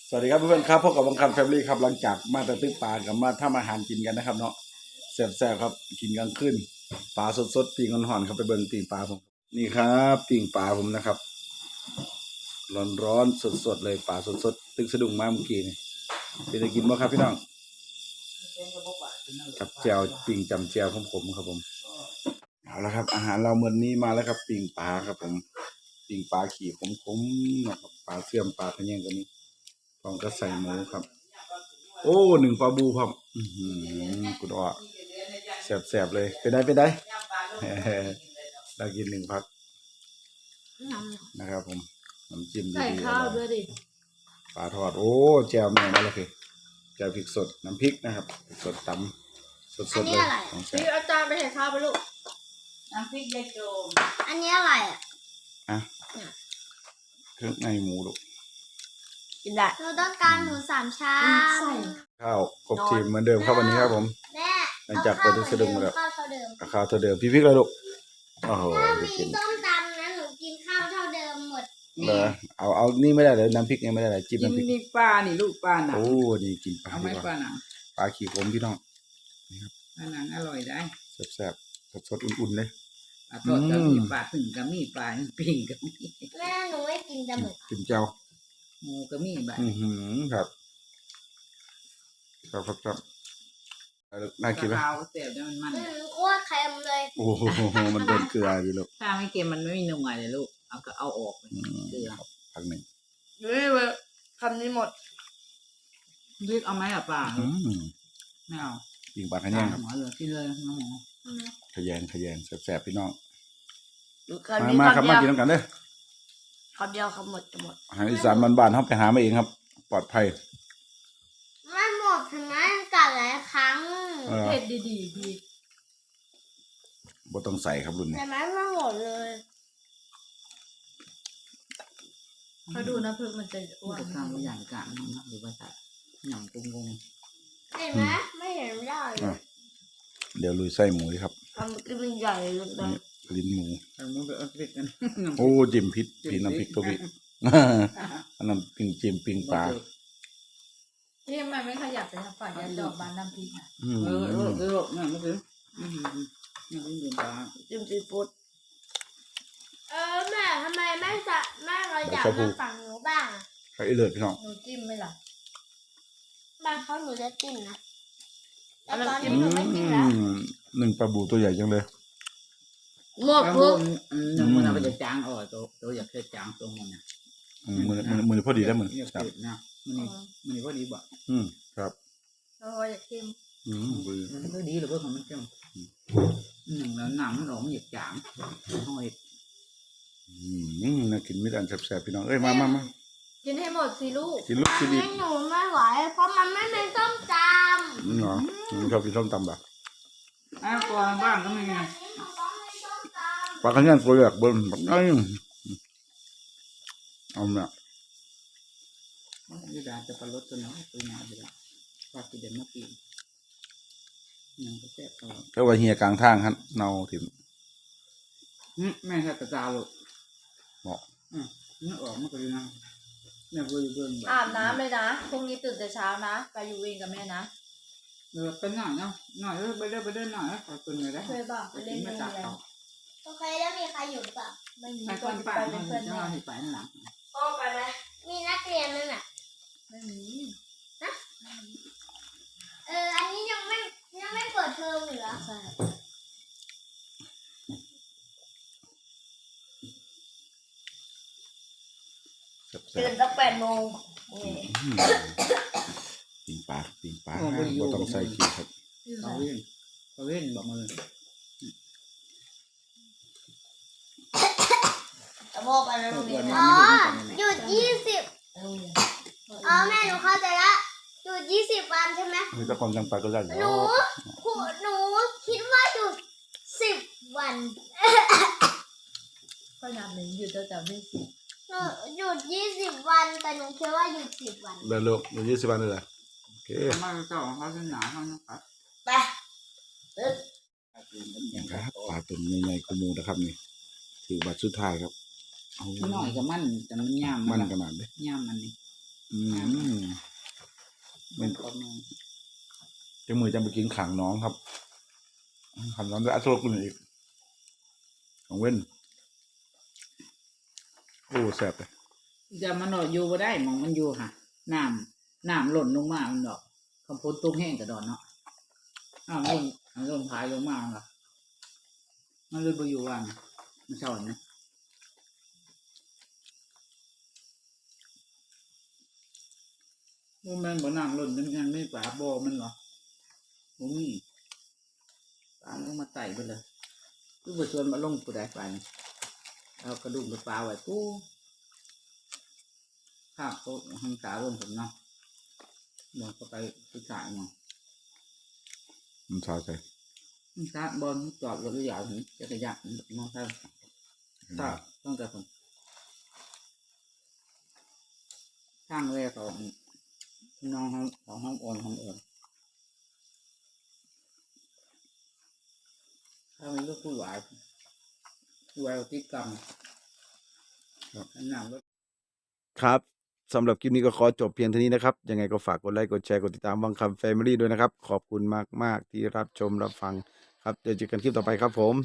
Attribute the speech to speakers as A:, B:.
A: สวัสดีครับเพื่อนๆครับพบกับบังคับแฟมิลี่ครับหลังจากมาแต่ตึกปลากับมาทำอาหารกินกันนะครับเนาะแซ่บๆครับกินกลางคืนปลาสดๆปิ้งห่อนๆครับไปเบิ่งปิ้งปลาผมนี่ครับปิ้งปลาผมนะครับร้อนๆสดๆเลยปลาสดๆตึกสะดุ้งมาเมื่อกี้นี่เป็นจะกินบ่ครับพี่น้องกับแจ่วปิ้งจำแจ่วของผมครับผมเอาละครับอาหารเรามื้อนี้มาแล้วครับปิ้งปลาครับผมปิ้งปลาขี่ขมๆนะครับปลาเสื่อมปลาทะแยงกันนี้พร้อมกับใส่หมูครับโอ้หนึ่งปลาบูครับกุดอ้อแสบๆเลยไปได้ เรากินหนึ่งพักนะครับผมน้ำจิ้มดีๆใส่ข้าวด้วยดิปลาทอดโอ้แจ่วแม่นั่นแหละคือแจ่วพริกสดน้ำพริกนะครับสดตำสดๆเลย
B: พี่อาจารย์ไปใส่ข้าวไปลูก
C: น้ำพริกยายโจม
B: อันนี้อะไร
A: อ่ะเครื่องในหมูลูก
B: กินได้เราต้องการหมู3 ชาม
A: ข้าวครบทีมเหมือนเดิมครับวันนี้ครับผมหลังจากเปิดตึกสะดุ้งมาแล้วข้าวเท่าเดิมพี่พริกเลยลูกโอ้โห
B: มีส้มตำนะหนูกินข้าวเท่าเดิมหมด
A: เอานี่ไม่ได้เลยน้ำพริกยังไม่ได้เลยจิ้มน้ำพริก
C: นี่ปลานี่ลูกปลาหนัง
A: โอ้นี่กินปลา
C: เอาไหมปลาหนัง
A: ปลาขี่ผมพี่น้อง
C: นี่ครับปลาหนังอร่อยได้
A: แซ่บสดอุ่นๆเลย
C: ปลาทอดก็มีปลาถึงก็มีปลาปิ้งก็มี
B: แม่หนูไม่กินแต่หมึก
A: กินเจ้า
C: หมูก็มีแบบ
A: ครับน่ากินไหม
C: ข้าวเสียบมัน
B: โคตรเค็มเลย
A: โอ้โหมันโดนเกลืออยู่ลูก
C: ถ้าไม่เค็มมันไม่มีนัวเลยลูกเอาออกเกลือ
A: พักหนึ่ง
B: คำนี้หมด
C: เรียกเอาไหมปลาไม่เอา
A: ยิงปลาขยงครับ
C: กินเลยน้องหมู
A: ขยงแซ่บพี่น้องมาครับมากินน้ำกันเด้อ
B: คำเดียวคำหมดจะหมด
A: อาหารอีสานบ้านๆเขาไปหามาเองครับปลอดภัย
B: ไม่หมดถึงแม้กัดหลายครั้ง
C: เผ็ดดีพี่
A: บ่ต้องใส่ครับรุ่นนี้
B: แต่ไม่หมดเลย
C: เขาดูนะเพื่อนมันจะอ้วนข้าวไม่ใหญ่กลางนะหรือว่าจะหนังกง
B: เห็นไหมไม่เห็นได้
A: เดี๋ยวลุยไส้หมูครับ
B: ทำกินเป็นใหญ่เลยนะ
A: ลิ้นหมู
C: มันเป็นพริกกัน
A: โอ้จิ้มพริกน้ำพริกตัวพี่อันนั้นจิ้มปิ้งปลา
C: ที่มันไม่ขยับเลยนะฝ่ายยาดอกบานน้ำพริกอ่ะนั่นก็คือนี่เป็นปลา
B: จิ้มซีฟู้ดแม่ทำไมแม่เราอยากมาฝั่งหนูบ้าง
A: ใครเลิศพี่น้อง
B: หนูจิ้มไหมล่ะบ้านเขาหนูจะจิ้มนะแต่ตอนนี้หนูไม่จิ้มแล้ว
A: หนึ่งปลาบูตัวใหญ่จังเลย
C: หมดปุ๊บมันเอาไปจะจางตัวอยากแค่จางตรงมันเนี่ย
A: มือพอดีแล้วมือ
C: ครับมันพอดีบ่
A: ครับ
B: อยากกิน
C: มันก็ดีหรือเปล่าของมันเจ้าแล้วหนังมันหลงหยิบจางห้อย
A: น่ากินไม่ได้แซ่บๆพี่น้องเอ้ยมา
C: กินให้หมดสิลูก
A: กินลูกกิน
B: ดีหนูไม่ไหวเพราะมันไม่เป็นส้มตำ
A: เหรอชอบกินส้มตำแบบ
C: ก่อนบ้างก็ไม่ไง
A: ปลาขยันตัวใหญ่เบิ้ลแบบนี้เอาเนี่ย
C: นี่ดาจะปลาลดตัวน้อยตัวใหญ่ไปแล้วปลาตัวเด่นเมื่อกี้ยังก็แซ่บตลอด
A: ก็ว่าเฮียกลางทางครับเนาถิ่น
C: แม่แค่กระจายลูก
A: เหมาะ
C: นี่ออกมาก็ดีนะแม่ก็อยู่เบื้อง
B: อาบน้ำเลยนะพรุ่งนี้ตื่นแต่เช้านะไปอยู่วิ่งกับแม่นะ
C: เป็นหน่อยเนาะหน่อยไปเดินหน่อยขอตัวหน่อยได้
B: เคยบอกไปเล่นไม่ได้โอเคแล้วมีใครอยู่ป่ะไม่มี
C: ก็ไปเป็นเพื่อนแม่ไปนั่นหลัง
B: พ่อไปไหมมีนักเรียนนั่นแหละ
C: ไม่มี
B: นะอันนี้ยังไม่เปิดเทอมเหรอใช่ตื่นตั้ง8 โมง
A: ปิ้งปลาก็ต้องใส่ขี้ครับ
C: เขาเล่นบอกมาเลย
B: พ่อไปแล้วหยุด20แม่หนูเข้าใจละหยุด20 วันใช่ไหม
A: มีแต่ความจำปาก็ได้
B: หนูคิดว่าหยุด10 วัน
C: ก็นับหนึ่งหยุดแต่ไม่10
B: หนูหยุด20 วันแต่หนูคิดว่าหยุด10 วัน
A: เดินลูกหยุด20 วันเลยโอเค
C: มาเจ้าเขาจะหนาเขานะครับ
B: ไป
A: ครับปลาตัวใหญ่ๆกูมูนะครับนี่ถือบัตรสุดท้ายครับ
C: หน่อยกับมันแต่มันย่าม
A: มันขนาดเลย
C: ย่ามมันนี่มันก็มึง
A: จะมือจะไปกินขังน้องครับขังน้องจะอัดโซ่กุนอีกของเว้นโอ้แซ่บเลย
C: จะมันอยู่บ่ได้มองมันอยู่ค่ะน้ำหล่นลงมามันดอกคำพูดตุ้งแห้งกระดอนเนาะหล่นพายลงมาล่ะมันเลยบ่อยู่ว่างมันเศร้านะมันบ่น้ำหล่นมันยังไม่ปลาบ่มันเหรอบ่มีปลาลงมาไต่ไปเลยคือบ่ชวนมาลงผู้ใดไปเอากระดูกปลาไว้ตู้ข้าวเขาทำตาลงผมเนาะมองเข้าไปผู้ชายมอง
A: มันชาใจ
C: ตาบอลจอดรถใหญ่ถึงจะขยับมองท่าตาต้องแต่ผมข้างแรกของน้องของห้องโอนถ้าไม่รู้ผู้หวายที่กรรมหนังรถ
A: ครับสำหรับคลิปนี้ก็ขอจบเพียงเท่านี้นะครับยังไงก็ฝากกดไลค์กดแชร์กดติดตามวังคำแฟมิลี่ด้วยนะครับขอบคุณมากๆที่รับชมรับฟังครับเดี๋ยวเจอกันคลิปต่อไปครับผม